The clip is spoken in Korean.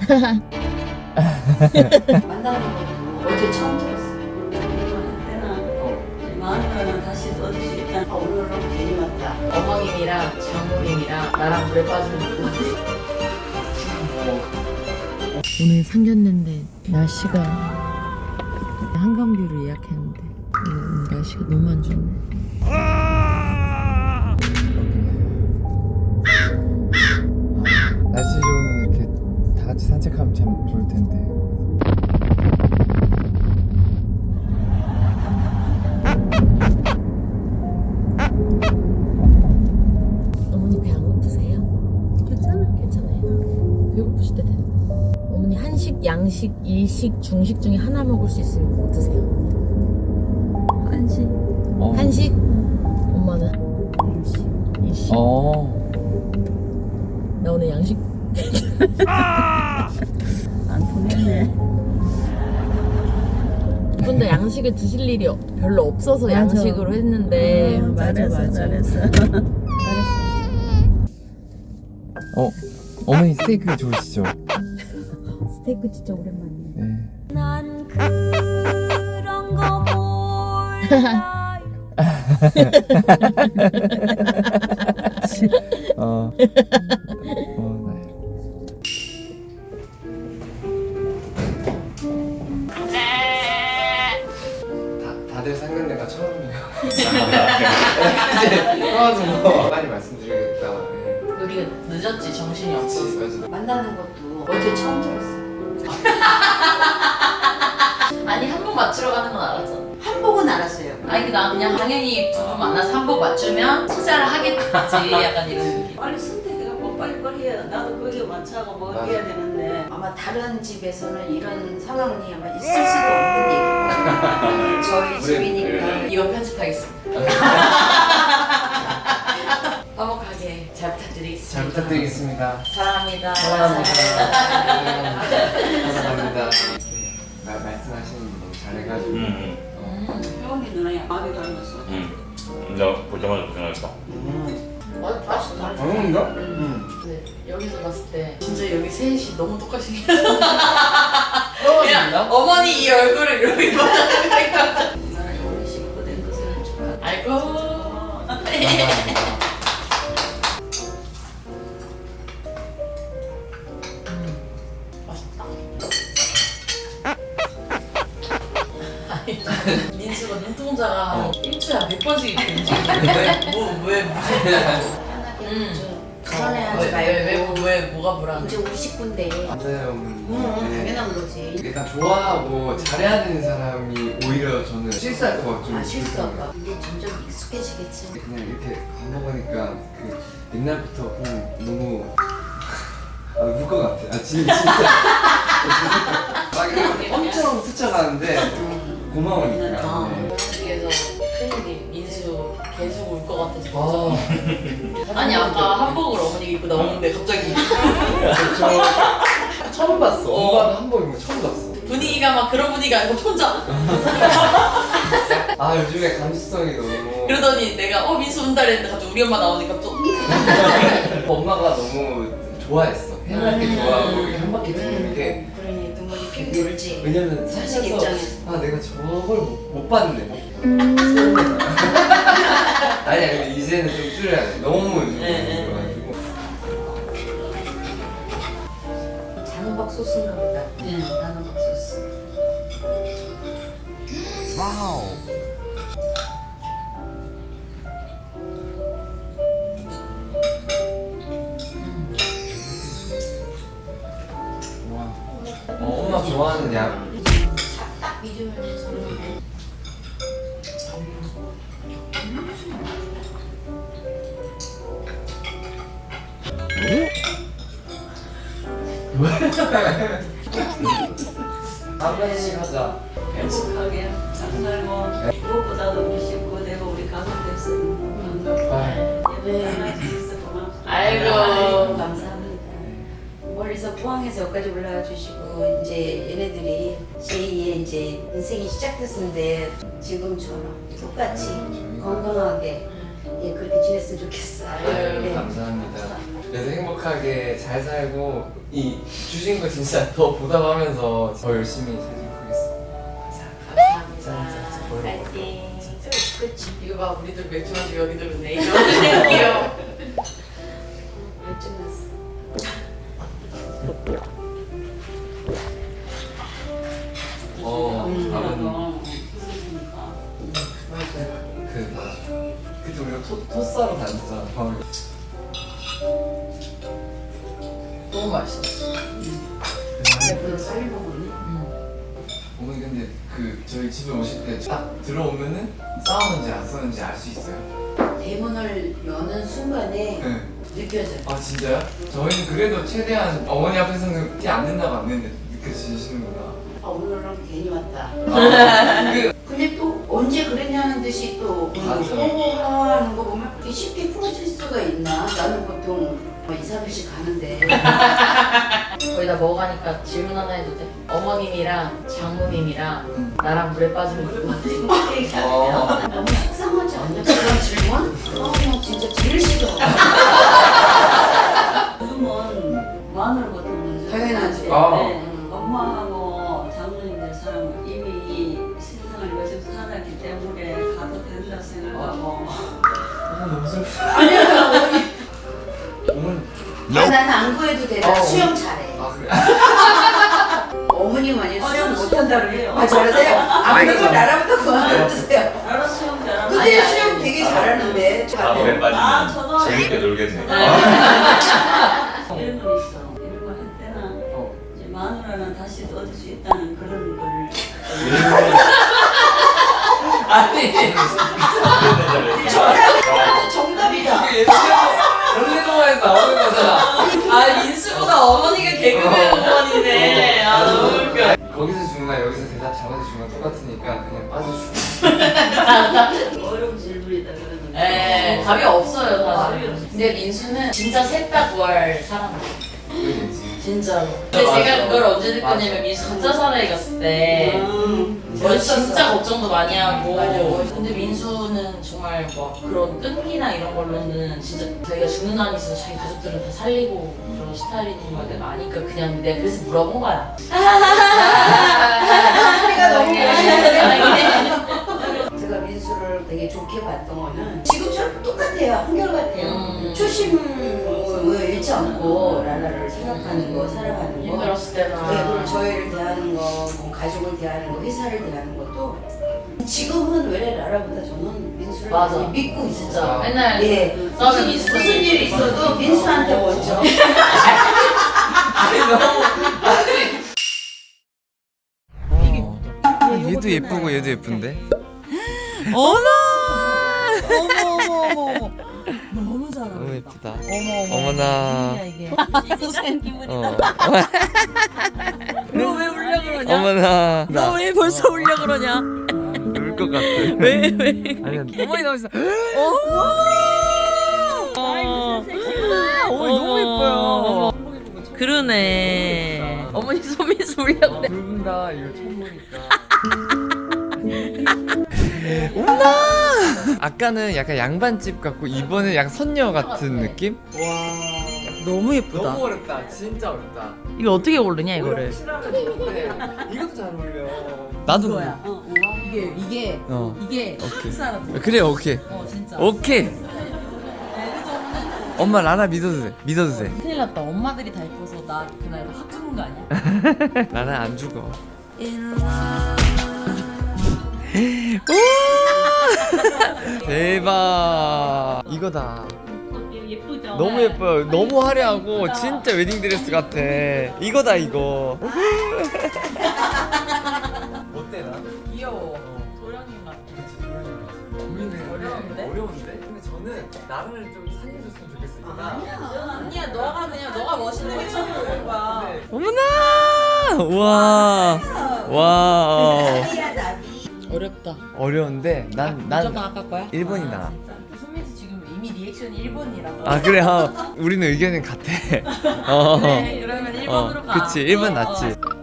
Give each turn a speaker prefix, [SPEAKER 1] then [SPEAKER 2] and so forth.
[SPEAKER 1] 만나는 것도 어제 처음 들었어요. 마누라는 다시 얻을 수 있다. 오늘은 괜히 왔다.
[SPEAKER 2] 어머님이랑 장모님이랑 나랑 물에 빠지는 거. 오늘 상견례인데 날씨가 한강뷰를 예약했는데 날씨가 너무 안 좋네.
[SPEAKER 3] 날씨 좋으면 이렇게 다 같이 산책하면 참 좋을 텐데.
[SPEAKER 2] 어머니 배 안 고프세요? 괜찮아요? 배고프실 때 되는. 어머니 한식, 양식, 일식, 중식 중에 하나 먹을 수 있으면 뭐 드세요?
[SPEAKER 1] 한식.
[SPEAKER 2] 한식? 엄마는? 일식. 나 오늘 양식.
[SPEAKER 1] 안 보냈네.
[SPEAKER 2] 근데 양식을 드실 일이 별로 없어서
[SPEAKER 1] 맞아.
[SPEAKER 2] 양식으로 했는데
[SPEAKER 1] 잘했어.
[SPEAKER 3] 어머니 스테이크 좋으시죠?
[SPEAKER 1] 스테이크 진짜 오랜만이야.
[SPEAKER 3] 네.
[SPEAKER 1] 난 그런 거 몰라.
[SPEAKER 3] 다들 상견례가 처음이에요. 이제 도와줘서 많이 말씀드리겠다. 네.
[SPEAKER 2] 우리가 늦었지, 정신이 없었어.
[SPEAKER 3] 맞아.
[SPEAKER 1] 만나는 것도 어제 처음 들었어요.
[SPEAKER 2] 아니 한복 맞추러 가는 건 알았잖아.
[SPEAKER 1] 한복은 알았어요.
[SPEAKER 2] 아니 나 그냥 당연히 두 분 만나서 한복 맞추면 투자를 하겠지 약간 이런 느낌.
[SPEAKER 1] 빨리 선택해갖고 빨리 해야 나도 거기에 맞춰가고 뭐
[SPEAKER 3] 맞아.
[SPEAKER 1] 해야 되는데 아마 다른 집에서는 이런 상황이 아마 있을 수도 없는 얘기고 저희 집이니까
[SPEAKER 2] 이거 편집하겠습니다. 화목하게 잘 부탁드리겠습니다.
[SPEAKER 3] 잘 부탁드리겠습니다.
[SPEAKER 2] 사랑합니다.
[SPEAKER 3] 감사합니다. 네, 말씀하시는 거 너무 잘해가지고.
[SPEAKER 1] 혜원이 누나야 마음이 닮았어.
[SPEAKER 4] 내가 보자마자 생각했다.
[SPEAKER 2] 맛있다.
[SPEAKER 3] 어머니가?
[SPEAKER 2] 네, 여기서 봤을 때 진짜 여기 셋이 너무 똑같이
[SPEAKER 3] 떨어진다?
[SPEAKER 2] 어머니 이 얼굴을 이렇게 보자는
[SPEAKER 1] 나는 오늘 식구된 것을 축하.
[SPEAKER 2] 아이고.
[SPEAKER 3] 감사합니다.
[SPEAKER 2] 맛있다. 민수가 눈동자가 일주일에 100번씩 이렇게 움직이는데 왜
[SPEAKER 1] 편하게 불안해하지 말고
[SPEAKER 2] 뭐가 불안해?
[SPEAKER 1] 이제 우리 식구인데
[SPEAKER 3] 맞아요, 어머니.
[SPEAKER 1] 당연한 거지.
[SPEAKER 3] 일단 좋아하고 잘해야 되는 사람이 오히려 저는 실수할 것 같죠.
[SPEAKER 1] 실수할까? 이게 점점 익숙해지겠지.
[SPEAKER 3] 그냥 이렇게 밥 먹으니까 그 옛날부터 그냥 너무 울 것 같아. 진짜. 막 이렇게 엄청 스쳐가는데 고마우니까. 네.
[SPEAKER 2] 그래서 큰일이 민수 계속 울 것 같아서
[SPEAKER 3] 아,
[SPEAKER 2] 걱정. 아니 아까 한복을 어머니가 입고 나오는데 갑자기
[SPEAKER 3] 저 처음 봤어. 엄마가 한복 입는 거 처음 봤어.
[SPEAKER 2] 분위기가 막 그런 분위기가 아니고 혼자
[SPEAKER 3] 아 요즘에 감수성이 너무.
[SPEAKER 2] 그러더니 내가 민수 운다 그랬는데 갑자기 우리 엄마 나오니까 또
[SPEAKER 3] 엄마가 너무 좋아했어. 해맑게 좋아하고 이렇게 한 바퀴 도는 게.
[SPEAKER 1] 그러니 눈물이 핑 돌지.
[SPEAKER 3] 왜냐면
[SPEAKER 1] 자식
[SPEAKER 3] 살면서
[SPEAKER 1] 입장에서.
[SPEAKER 3] 아 내가 저걸 못 봤네. 아니야 근데 이제는 좀 줄여야 돼. 너무 요즘
[SPEAKER 2] 네,
[SPEAKER 3] 그래가지고.
[SPEAKER 1] 단호박 소스인가 보다. 단호박 소스.
[SPEAKER 3] 엄마 좋아하는 양.
[SPEAKER 1] 딱 믿음을 줬는데.
[SPEAKER 3] 한 번씩 하자.
[SPEAKER 1] 행복하게 잘 살고 무엇보다도 우리 식구 되고 우리 가족 됐으면 예배 하나 주셔서 고맙습니다.
[SPEAKER 2] 아이고.
[SPEAKER 1] 감사합니다. 멀리서 포항에서 여기까지 올라와 주시고 이제 얘네들이 제2의 이제 인생이 시작됐는데 지금처럼 똑같이 건강하게 예 그렇게 지냈으면 좋겠어요.
[SPEAKER 3] 아유,
[SPEAKER 1] 네.
[SPEAKER 3] 감사합니다. 그래서 행복하게 잘 살고 이 주신 거 진짜 더 보답하면서 더 열심히 살도록 하겠습니다.
[SPEAKER 2] 감사합니다. 파이팅.
[SPEAKER 1] 그치.
[SPEAKER 2] 이거 봐, 우리들 맥주 마시고 여기 들었네. 이거 귀여워.
[SPEAKER 1] 맥주 났어.
[SPEAKER 3] 다음은 그때 우리가 토스하러 다녔잖아. 밤을.
[SPEAKER 2] 너무 맛있었어.
[SPEAKER 1] 예쁜 쌀 먹었니?
[SPEAKER 3] 어머니 근데 그 저희 집에 오실 때 딱 들어오면은 싸우는지 안 싸우는지 알 수 있어요?
[SPEAKER 1] 대문을 여는 순간에
[SPEAKER 3] 네.
[SPEAKER 1] 느껴져.
[SPEAKER 3] 아 진짜요? 저희는 그래도 최대한 어머니 앞에서는 티 안 낸다고 안 내는데 느껴지시는구나.
[SPEAKER 1] 아 오늘은 괜히 왔다.
[SPEAKER 3] 그
[SPEAKER 1] 근데 또 언제 그랬냐는 듯이 또
[SPEAKER 3] 맞아.
[SPEAKER 1] 하는 거 보면 이게 쉽게 풀어질 수가 있나? 나는 보통 2, 3일씩 가는데
[SPEAKER 2] 거의 다 먹어가니까 질문 하나 해도 돼? 어머님이랑 장모님이랑 나랑 물에 빠지면 누구 같아?
[SPEAKER 1] 너무 속상하지 않냐? 그런 질문? 나 진짜 제일 싫어. 요즘은 마늘부터 먼저 당연하지. 엄마하고 장모님들 사람은 이미 세상을 요즘 살았기 때문에 가도 된다 생각하고
[SPEAKER 3] 너무 슬퍼.
[SPEAKER 1] 아니야 어머니
[SPEAKER 3] 어머니.
[SPEAKER 1] 나는 안 구해도 돼. 나 수영 잘해.
[SPEAKER 3] 아 그래?
[SPEAKER 1] 어머니 만약 수영 못한다 그러면 아 잘하세요? 아 그걸 나라부터 그만두세요. 나라 수영 잘하는 근데 수영 되게 잘하는데
[SPEAKER 4] 다음에 빠지면
[SPEAKER 1] 저도
[SPEAKER 4] 재밌게 놀겠네.
[SPEAKER 1] 이런 거 있어. 이런 거 할 때는 이제 마누라는 다시 얻을 수 있다는 그런 거를 정답이다.
[SPEAKER 3] 전래동화에서 나오는 거잖아.
[SPEAKER 2] 아, 민수보다 어머니가 개그맨 어머니네. 아, 너무 웃겨.
[SPEAKER 3] 거기서 주는 거랑 여기서 대답 잘해서 주는 건 똑같으니까 그냥 빠져주고.
[SPEAKER 1] 어려운 질문이다 그러는 거.
[SPEAKER 2] 네, 답이 없어요,
[SPEAKER 1] 답이
[SPEAKER 2] 사실.
[SPEAKER 1] 없어.
[SPEAKER 2] 근데 민수는 진짜 셋 다 구할 사람이야.
[SPEAKER 3] 그러겠지.
[SPEAKER 2] 진짜로. 근데
[SPEAKER 3] 맞아.
[SPEAKER 2] 제가 그걸 언제 느꼈냐면 민수 가짜 사나이 갔을 때 저 진짜 걱정도 많이 하고
[SPEAKER 1] 맞아.
[SPEAKER 2] 근데 민수는 정말 막 그런 끈기나 이런 걸로는 진짜 자기가 죽는 한이 있어서 자기 가족들은 다 살리고 그런 스타일인 걸 내가 아니까 그냥 내가 그래서 물어본 거야.
[SPEAKER 1] 소리가 너무
[SPEAKER 2] 다행이네.
[SPEAKER 1] 제가 민수를 되게 좋게 봤던 거는 지금처럼 똑같아요. 한결같아요. 초심을 잃지 않고 나라를 생각하는 거, 살아가는 거.
[SPEAKER 2] 힘들었을 때나
[SPEAKER 1] 네, 그리고 저희를 대하는 거, 뭐 가족을 대하는 거, 회사를 대하는 것도 지금은 왜 나라보다 저는 민수를
[SPEAKER 2] 맞아.
[SPEAKER 1] 많이 믿고 있어요.
[SPEAKER 2] 진짜 맨날
[SPEAKER 1] 예,
[SPEAKER 2] 싸우면
[SPEAKER 1] 무슨 일이 있어도 민수한테 먼저.
[SPEAKER 3] 얘도 예쁘고 얘도 예쁜데?
[SPEAKER 5] 어머 너무 잘하.
[SPEAKER 3] 너무 예쁘다.
[SPEAKER 5] 어머
[SPEAKER 3] 어머나.
[SPEAKER 5] 이게.
[SPEAKER 3] 너
[SPEAKER 5] 왜 울려 그러냐?
[SPEAKER 3] 어머나.
[SPEAKER 5] 너 왜 벌써 울려 그러냐?
[SPEAKER 3] 울것 같아.
[SPEAKER 5] 왜?
[SPEAKER 3] 아니야.
[SPEAKER 5] 어머니 너무 있어. 어머니 너무 예뻐요. 그러네. 어머니 소민수 울려 그래.
[SPEAKER 3] 붉은다 이거 처음 보니까. 아까는 약간 양반집 같고 이번엔 약간 선녀 같은 느낌?
[SPEAKER 5] 너무 예쁘다.
[SPEAKER 3] 너무 어렵다. 진짜 어렵다.
[SPEAKER 5] 이거 어떻게 고르냐 이거를?
[SPEAKER 3] 확실하면 좋은데 이것도 잘 어울려. 나도
[SPEAKER 5] 이거야. 이게
[SPEAKER 3] 오케이.
[SPEAKER 5] 사람.
[SPEAKER 3] 그래 오케이.
[SPEAKER 5] 진짜.
[SPEAKER 3] 오케이. 엄마 라나 믿어도 돼. 믿어도 돼.
[SPEAKER 5] 큰일 났다. 엄마들이 다 예뻐서 나 그날 확 죽는 거 아니야?
[SPEAKER 3] 라나 안 죽어. 대박. 이거다.
[SPEAKER 1] 예쁘죠?
[SPEAKER 3] 너무 예뻐요. 너무 화려하고 진짜 웨딩드레스 같아. 이거다 이거. 어때 나?
[SPEAKER 5] 귀여워. 도련님 같아.
[SPEAKER 3] 고민을
[SPEAKER 5] 어려운데?
[SPEAKER 3] 어려운데? 근데 저는 나를 좀 살려줬으면 좋겠어요.
[SPEAKER 5] 아니야, 너가 멋있는 게 최고인 거야.
[SPEAKER 3] 어머나! 와. 와.
[SPEAKER 5] 어렵다.
[SPEAKER 3] 어려운데
[SPEAKER 5] 무조건
[SPEAKER 3] 난
[SPEAKER 5] 아까 거야?
[SPEAKER 3] 1번이 나아.
[SPEAKER 5] 소민수 지금 이미 리액션이 1번이라고.
[SPEAKER 3] 아 그래. 우리는 의견은 같아.
[SPEAKER 5] 그래, 그러면 1번으로 가.
[SPEAKER 3] 그치 1번 낫지.